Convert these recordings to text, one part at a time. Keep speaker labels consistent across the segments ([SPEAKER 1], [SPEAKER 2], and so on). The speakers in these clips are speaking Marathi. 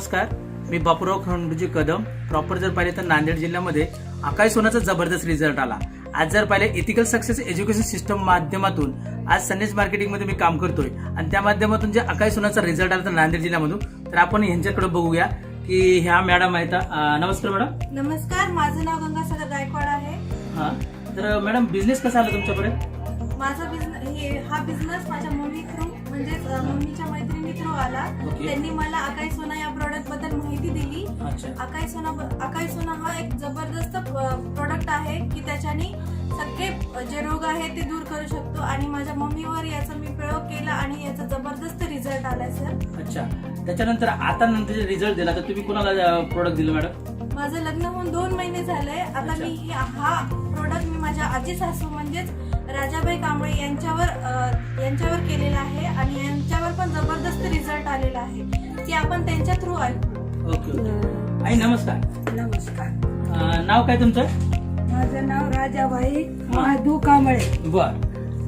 [SPEAKER 1] नमस्कार, मी बापूराव खंडूजी कदम. प्रॉपर जर पाहिले तर नांदेड जिल्ह्यामध्ये आकाश सोनाचा जबरदस्त रिझल्ट आला. आज जर पाहिले इथिकल सक्सेस एज्युकेशन सिस्टम माध्यमातून आज संदेश मार्केटिंगमध्ये मी काम करतोय आणि त्या माध्यमातून जे आकाश सोनाचा रिझल्ट आला तर नांदेड जिल्ह्यामधून, तर आपण यांच्याकडे बघूया की ह्या मॅडम आहेत. नमस्कार मॅडम.
[SPEAKER 2] नमस्कार, माझं नाव गंगासागर गायकवाड आहे.
[SPEAKER 1] हा, तर मॅडम बिझनेस कसा आला तुमच्याकडे?
[SPEAKER 2] माझा हा बिझनेस माझ्या मम्मी थ्रू म्हणजेच मम्मीच्या मैत्रिणी थ्रू आला. त्यांनी मला आकाश सोना या प्रोडक्ट बद्दल माहिती दिली. आकाश सोना हा एक जबरदस्त प्रोडक्ट आहे की त्याच्याने सगळे जे रोग आहेत ते दूर करू शकतो आणि माझ्या मम्मीवर याचा मी प्रयोग केला आणि याचा जबरदस्त रिझल्ट आलाय सर.
[SPEAKER 1] अच्छा, त्याच्यानंतर आता नंतर रिझल्ट दिला तर तुम्ही कोणाला प्रोडक्ट दिलं मॅडम?
[SPEAKER 2] माझं लग्न होऊन 2 महिने झाले. आता मी हा प्रोडक्ट मी माझ्या आजी सासू म्हणजेच राजाबाई कांबळे यांच्यावर केलेला आहे आणि यांच्यावर पण जबरदस्त रिझल्ट आलेला आहे की आपण त्यांच्या थ्रू आलो.
[SPEAKER 1] ओके. आई नमस्कार.
[SPEAKER 3] नमस्कार.
[SPEAKER 1] नाव काय तुमचं?
[SPEAKER 3] माझं नाव राजाबाई महादू कांबळे.
[SPEAKER 1] बर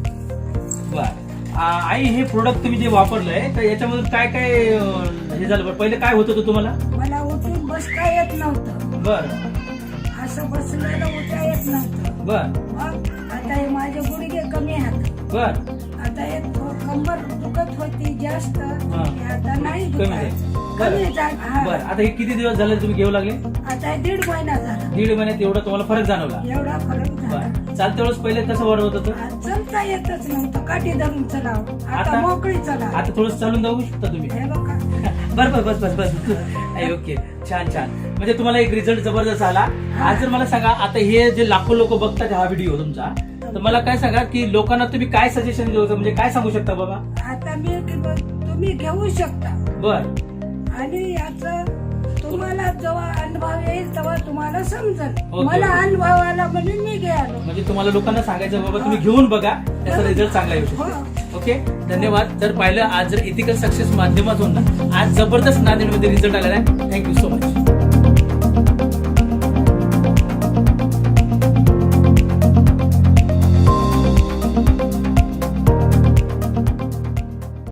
[SPEAKER 1] बर. आई, हे प्रोडक्ट तुम्ही जे वापरलंय तर याच्यामधून काय काय हे झालं बरं? पहिले काय होत होतं तुम्हाला?
[SPEAKER 3] मला उठून बसता येत नव्हतं.
[SPEAKER 1] बर.
[SPEAKER 3] असं बसलेलं उठता येत नव्हतं.
[SPEAKER 1] बर.
[SPEAKER 3] मग आता हे माझे गुडघे कमी आहेत.
[SPEAKER 1] बर.
[SPEAKER 3] आता एक कंबर दुखत होती जास्त, आता नाही
[SPEAKER 1] कमी
[SPEAKER 3] दुखत. कमी झालं.
[SPEAKER 1] बर. आता हे किती दिवस झाले तुम्ही घेऊ लागले?
[SPEAKER 3] आता 1.5 महिना झाला.
[SPEAKER 1] 1.5 महिन्यात एवढा तुम्हाला फरक जाणवला?
[SPEAKER 3] एवढा फरक झाला.
[SPEAKER 1] बर. चालते वेळेस पहिले कसं वर होत होतं?
[SPEAKER 3] चलता येतच नव्हतं. काठी धरून चलाव. आता
[SPEAKER 1] आता?
[SPEAKER 3] मोकळी चला.
[SPEAKER 1] आता थोडं चालून जाऊ शकता तुम्ही?
[SPEAKER 3] हे बघा.
[SPEAKER 1] बर बर, बस बस बस. ओके, छान छान. म्हणजे तुम्हाला एक रिझल्ट जबरदस्त आला. आज जर मला सांगा, आता हे जे लाखो लोक बघतात हा व्हिडिओ तुमचा, तर मला काय सांगा की लोकांना तुम्ही काय सजेशन देऊ, म्हणजे काय सांगू शकता बाबा?
[SPEAKER 3] आता तुम्ही घेऊ शकता.
[SPEAKER 1] बर.
[SPEAKER 3] आणि याचा तुम्हाला जेव्हा अनुभव येईल तेव्हा तुम्हाला समजेल.
[SPEAKER 1] ओके.
[SPEAKER 3] मला अनुभव आला म्हणून मी गेलो.
[SPEAKER 1] म्हणजे तुम्हाला लोकांना सांगायचं बाबा तुम्ही घेऊन बघा, त्याचा रिझल्ट चांगला येऊ शकतो. ओके, धन्यवाद. तर पाहिलं आज जर इथिकल सक्सेस माध्यमातून आज जबरदस्त नांदेडमध्ये रिझल्ट आलेला आहे. Thank you so much.